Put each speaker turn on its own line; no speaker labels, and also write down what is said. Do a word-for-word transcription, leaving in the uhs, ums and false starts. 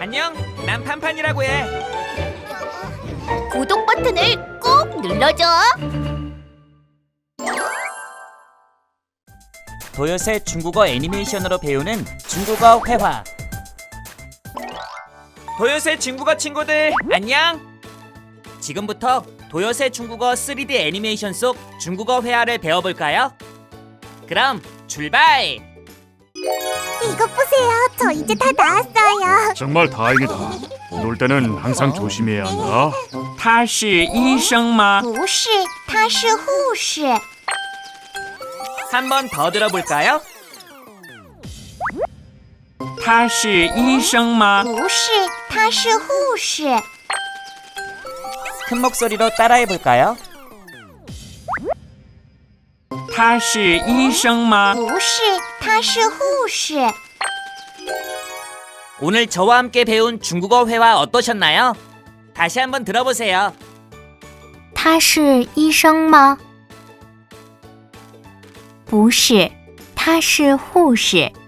안녕, 난 판판이라고 해.
구독 버튼을 꼭 눌러줘.
도요새 중국어 애니메이션으로 배우는 중국어 회화.
도요새 중국어 친구들, 안녕.
지금부터 도요새 중국어 쓰리디 애니메이션 속 중국어 회화를 배워볼까요? 그럼 출발!
이것 보세요. 저 이제 다 나았어요.
정말 다행이다. 놀 때는 항상 조심해야 한다.
他是医生吗?
不是，他是护士。
한 번 더 들어볼까요? 他是医生吗?
不是，他是护士。
큰 목소리로 따라해볼까요? 他是医生吗?
不是，他是护士。
오늘 저와 함께 배운 중국어 회화 어떠셨나요? 다시 한번 들어보세요.
他是医生吗？不是，他是护士。